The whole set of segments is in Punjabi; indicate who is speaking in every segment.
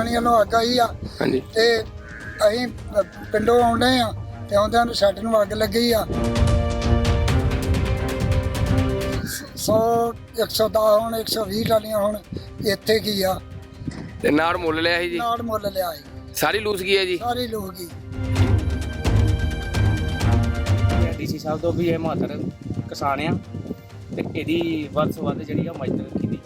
Speaker 1: ਬੰਗਮਣੀ ਵੱਲੋਂ ਅੱਗ ਆਈ ਆ
Speaker 2: ਹਾਂਜੀ
Speaker 1: ਤੇ ਅਸੀਂ ਪਿੰਡੋਂ ਆਉਂਦੇ ਆ ਤੇ ਆਉਂਦਿਆਂ ਨੂੰ ਸ਼ੈੱਡ ਨੂੰ ਅੱਗ ਲੱਗੀ ਆ। 100 110 ਹੁਣ 120 ਟਾਲੀਆਂ ਹੁਣ ਇੱਥੇ ਕੀ ਆ
Speaker 2: ਤੇ ਨਾੜ ਮੁੱਲ ਲਿਆ ਸੀ ਜੀ?
Speaker 1: ਨਾੜ ਮੁੱਲ ਲਿਆ ਸੀ,
Speaker 2: ਸਾਰੀ ਲੂਸ ਗਈ ਹੈ ਜੀ?
Speaker 1: ਸਾਰੇ ਲੋਕ ਹੀ।
Speaker 3: ਡੀਸੀ ਸਾਹਿਬ ਤੋਂ ਵੀ ਇਹ ਮਹੱਤਰ ਕਿਸਾਨ ਆ ਤੇ ਇਹਦੀ ਵੱਧ ਤੋਂ ਵੱਧ ਜਿਹੜੀ ਆ ਮਦਦ ਕੀਤੀ।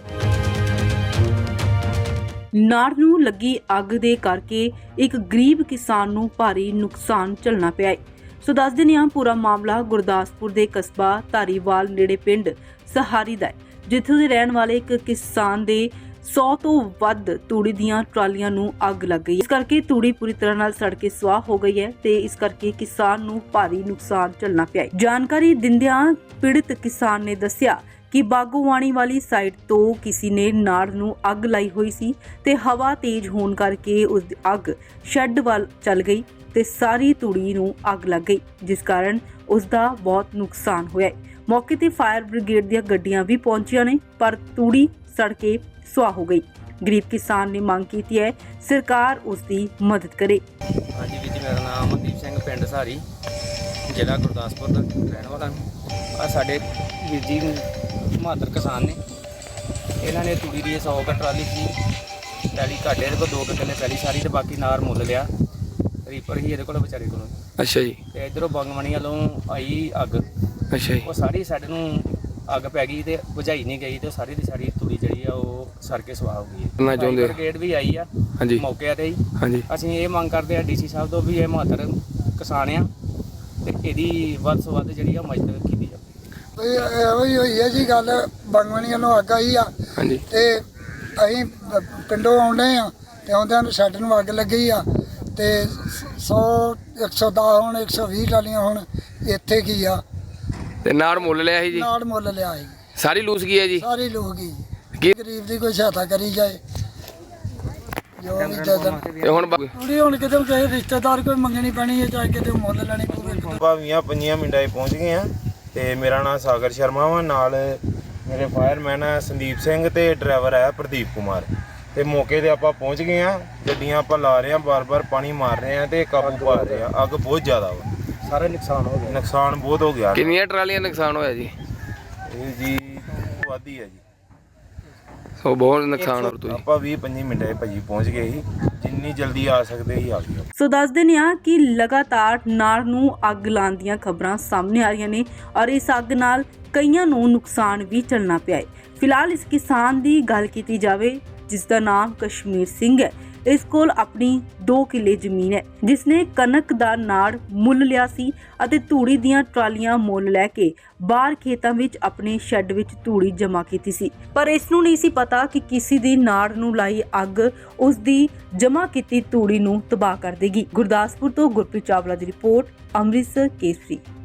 Speaker 4: ਨਾੜ ਨੂੰ ਲੱਗੀ ਅੱਗ ਦੇ ਕਰਕੇ ਇੱਕ ਗਰੀਬ ਕਿਸਾਨ ਨੂੰ ਭਾਰੀ ਨੁਕਸਾਨ ਝੱਲਣਾ ਪਿਆ ਹੈ। ਸੋ ਦੱਸ ਦਿੰਦੇ ਹਾਂ, ਪੂਰਾ ਮਾਮਲਾ ਗੁਰਦਾਸਪੁਰ ਦੇ ਕਸਬਾ ਧਾਰੀਵਾਲ ਨੇੜੇ ਪਿੰਡ ਸਹਾਰੀ ਦਾ ਹੈ, ਜਿੱਥੋਂ ਦੇ ਰਹਿਣ ਵਾਲੇ ਇੱਕ ਕਿਸਾਨ ਦੇ 100 ਤੋਂ ਵੱਧ ਤੂੜੀ ਦੀਆਂ ਟਰਾਲੀਆਂ ਨੂੰ ਅੱਗ ਲੱਗ ਗਈ। ਇਸ ਕਰਕੇ ਤੂੜੀ ਪੂਰੀ ਤਰ੍ਹਾਂ ਨਾਲ ਸੜ ਕੇ ਸੁਆਹ ਹੋ ਗਈ ਹੈ ਤੇ ਇਸ ਕਰਕੇ ਕਿਸਾਨ ਨੂੰ ਭਾਰੀ ਨੁਕਸਾਨ ਝੱਲਣਾ ਪਿਆ ਹੈ। ਜਾਣਕਾਰੀ ਦਿੰਦਿਆਂ ਪੀੜਤ ਕਿਸਾਨ ਨੇ ਦੱਸਿਆ ਕਿ ਬਾਗੋਵਾਣੀ ਵਾਲੀ ਸਾਈਡ ਤੋਂ ਕਿਸੇ ਨੇ ਨਾੜ ਨੂੰ ਅੱਗ ਲਾਈ ਹੋਈ ਸੀ ਤੇ ਹਵਾ ਤੇਜ਼ ਹੋਣ ਕਰਕੇ ਉਸ ਦੀ ਅੱਗ ਸ਼ੈੱਡ ਵੱਲ ਚੱਲ ਗਈ ਤੇ ਸਾਰੀ ਤੂੜੀ ਨੂੰ ਅੱਗ ਲੱਗ ਗਈ, ਜਿਸ ਕਾਰਨ ਉਸ ਦਾ ਬਹੁਤ ਨੁਕਸਾਨ ਹੋਇਆ। ਮੌਕੇ ਤੇ ਫਾਇਰ ਬ੍ਰਿਗੇਡ ਦੀਆਂ ਗੱਡੀਆਂ ਵੀ ਪਹੁੰਚੀਆਂ ਨੇ, ਪਰ ਤੂੜੀ ਸੜ ਕੇ ਸੁਆਹ ਹੋ ਗਈ। ਗਰੀਬ ਕਿਸਾਨ ਨੇ ਮੰਗ ਕੀਤੀ ਹੈ ਸਰਕਾਰ ਉਸ ਦੀ ਮਦਦ ਕਰੇ।
Speaker 3: ਹਾਂਜੀ ਵੀਰ ਜੀ, ਮੇਰਾ ਨਾਮ ਅਮਨਦੀਪ ਸਿੰਘ, ਪਿੰਡ ਸਹਾਰੀ, ਜ਼ਿਲ੍ਹਾ ਗੁਰਦਾਸਪੁਰ ਦਾ ਰਹਿਣ ਵਾਲਾ। ਆ ਸਾਡੇ ਵੀਰ ਜੀ ਮਹੱਤਰ ਕਿਸਾਨ ਨੇ, ਇਹਨਾਂ ਨੇ ਤੂੜੀ ਦੀ 100 ਕੁ ਟਰਾਲੀ ਸੀ ਪੈਲੀ ਘਾਟੇ ਦੇ ਕੋਲ 2 ਕਿੱਲੇ ਪੈਲੀ ਸਾਰੀ ਤੇ ਬਾਕੀ ਨਾਰ ਮੁੱਲ ਲਿਆ। ਰੀਪਰ ਹੀ ਇਹਦੇ ਕੋਲ ਵਿਚਾਰੇ ਕੋਲ।
Speaker 2: ਅੱਛਾ ਜੀ।
Speaker 3: ਤੇ ਇਧਰੋਂ ਬੰਗਮਣੀ ਵੱਲੋਂ ਆਈ ਅੱਗ,
Speaker 2: ਅੱਛਾ ਜੀ।
Speaker 3: ਉਹ ਸਾਰੀ ਸਾਡੇ ਨੂੰ ਅੱਗ ਪੈ ਗਈ ਤੇ ਬੁਝਾਈ ਨਹੀਂ ਗਈ ਤੇ ਸਾਰੀ ਦੀ ਸਾਰੀ ਤੂੜੀ ਜਿਹੜੀ ਆ ਉਹ ਸੜ ਕੇ ਸੁਆਹ ਹੋ ਗਈ ਹੈ।
Speaker 2: ਕਰਨਾ ਚਾਹੁੰਦੇ ਹੋ?
Speaker 3: ਬ੍ਰਿਗੇਡ ਵੀ ਆਈ ਆ
Speaker 2: ਹਾਂਜੀ
Speaker 3: ਮੌਕੇ ਤੇ ਹੀ।
Speaker 2: ਹਾਂਜੀ।
Speaker 3: ਅਸੀਂ ਇਹ ਮੰਗ ਕਰਦੇ ਆ ਡੀਸੀ ਸਾਹਿਬ ਤੋਂ ਵੀ ਇਹ ਮਹੱਤਰ ਕਿਸਾਨ ਆ ਤੇ ਇਹਦੀ ਵੱਧ ਤੋਂ ਵੱਧ ਜਿਹੜੀ ਆ ਮਦਦ ਕੀਤੀ ਜਾਵੇ।
Speaker 1: ਇਹੋ ਹੀ ਹੋਈ ਹੈ ਜੀ ਗੱਲ। ਬੰਗਮਣੀ ਵੱਲੋਂ ਅੱਗ ਆਈ ਆ
Speaker 2: ਹਾਂਜੀ
Speaker 1: ਤੇ ਅਸੀਂ ਪਿੰਡੋਂ ਆਉਂਦੇ ਆ ਤੇ ਆਉਂਦਿਆਂ ਨੂੰ ਸ਼ੈੱਡ ਨੂੰ ਅੱਗ ਲੱਗੀ ਆ ਤੇ 100 110 ਹੁਣ 120 ਟਾਲੀਆਂ ਹੁਣ ਇੱਥੇ ਕੀ ਆ।
Speaker 2: ਤੇ ਨਾੜ ਮੁੱਲ ਲਿਆ ਸੀ ਜੀ?
Speaker 1: ਨਾੜ ਮੁੱਲ ਲਿਆ ਸੀ,
Speaker 2: ਸਾਰੀ ਲੂਸ ਗਈ ਹੈ ਜੀ?
Speaker 1: ਸਾਰੇ ਲੋਕ ਹੀ।
Speaker 2: ਕੀ
Speaker 1: ਗਰੀਬ ਦੀ ਕੋਈ ਸਹਾਇਤਾ ਕਰੀ ਜਾਏ ਜੋ ਵੀ ਜਦਨ
Speaker 2: ਤੇ ਹੁਣ
Speaker 1: ਥੋੜੀ ਹੁਣ ਕਿਤੇ ਕਿਸੇ ਰਿਸ਼ਤੇਦਾਰ ਕੋਈ ਮੰਗਣੀ ਪੈਣੀ ਹੈ, ਚਾਹੇ ਕਿਤੇ ਮੁੱਲ ਲੈਣੀ ਪਵੇ।
Speaker 5: ਭਾਵੀਆਂ 5 ਮਿੰਟਾਂ 'ਚ ਪਹੁੰਚ ਗਏ ਆ ਤੇ ਮੇਰਾ ਨਾਮ ਸਾਗਰ ਸ਼ਰਮਾ ਵਾ, ਨਾਲ ਮੇਰੇ ਫਾਇਰਮੈਨ ਆ ਸੰਦੀਪ ਸਿੰਘ ਤੇ ਡਰਾਈਵਰ ਆ ਪ੍ਰਦੀਪ ਕੁਮਾਰ। ਤੇ ਮੌਕੇ ਤੇ ਆਪਾਂ ਪਹੁੰਚ ਗਏ ਆ, ਗੱਡੀਆਂ ਆਪਾਂ ਲਾ ਰਹੇ ਆ, ਬਾਰ-ਬਾਰ ਪਾਣੀ ਮਾਰ ਰਹੇ ਆ ਤੇ ਕਾਬੂ ਪਾ ਰਹੇ ਆ। ਅੱਗ ਬਹੁਤ ਜ਼ਿਆਦਾ ਵਾ,
Speaker 3: ਸਾਰਾ ਨੁਕਸਾਨ ਹੋ ਗਿਆ।
Speaker 5: ਨੁਕਸਾਨ ਬਹੁਤ ਹੋ ਗਿਆ।
Speaker 2: ਕਿੰਨੀਆਂ ਟਰਾਲੀਆਂ ਨੁਕਸਾਨ ਹੋਇਆ ਜੀ?
Speaker 5: ਇਹ ਜੀ ਵਾਦੀ ਹੈ ਜੀ।
Speaker 2: ਸੋ ਬਹੁਤ ਨੁਕਸਾਨ ਹੋ ਤੁਸੀਂ।
Speaker 5: ਆਪਾਂ 20-25 ਮਿੰਟਾਂ 'ਚ ਭਾਜੀ ਪਹੁੰਚ ਗਏ ਸੀ, ਜਿੰਨੀ ਜਲਦੀ ਆ ਸਕਦੇ ਸੀ ਆ ਗਏ।
Speaker 4: ਸੋ ਦੱਸ ਦਿੰਦੇ ਹਾਂ ਕਿ ਲਗਾਤਾਰ ਨਾੜ ਨੂੰ ਅੱਗ ਲਾਉਣ ਦੀਆਂ ਖਬਰਾਂ ਸਾਹਮਣੇ ਆ ਰਹੀਆਂ ਨੇ ਔਰ ਇਸ ਅੱਗ ਨਾਲ ਕਈਆਂ ਨੂੰ ਨੁਕਸਾਨ ਵੀ ਝੱਲਣਾ ਪਿਆ ਹੈ। ਫਿਲਹਾਲ ਇਸ ਕਿਸਾਨ ਦੀ ਗੱਲ ਕੀਤੀ ਜਾਵੇ ਜਿਸ ਦਾ ਨਾਮ ਕਸ਼ਮੀਰ ਸਿੰਘ ਹੈ। ਇਸ ਕੋਲ ਆਪਣੀ 2 ਕਿੱਲੇ ਜ਼ਮੀਨ ਹੈ, ਜਿਸ ਨੇ ਕਣਕ ਦਾ ਨਾੜ ਮੁੱਲ ਲਿਆ ਸੀ ਅਤੇ ਤੂੜੀ ਦੀਆਂ ਟਰਾਲੀਆਂ ਮੁੱਲ ਲੈ ਕੇ ਬਾਹਰ ਖੇਤਾਂ ਵਿੱਚ ਆਪਣੇ ਸ਼ੈੱਡ ਵਿੱਚ ਤੂੜੀ ਜਮ੍ਹਾਂ ਕੀਤੀ ਸੀ। ਪਰ ਇਸ ਨੂੰ ਨਹੀਂ ਸੀ ਪਤਾ ਕਿ ਕਿਸੇ ਦੀ ਨਾੜ ਨੂੰ ਲਾਈ ਅੱਗ ਉਸ ਦੀ ਜਮ੍ਹਾਂ ਕੀਤੀ ਤੂੜੀ ਨੂੰ ਤਬਾਹ ਕਰ ਦੇਗੀ। ਗੁਰਦਾਸਪੁਰ ਤੋਂ ਗੁਰਪ੍ਰੀਤ ਚਾਵਲਾ ਦੀ ਰਿਪੋਰਟ, ਅੰਮ੍ਰਿਤਸਰ ਕੇਸਰੀ।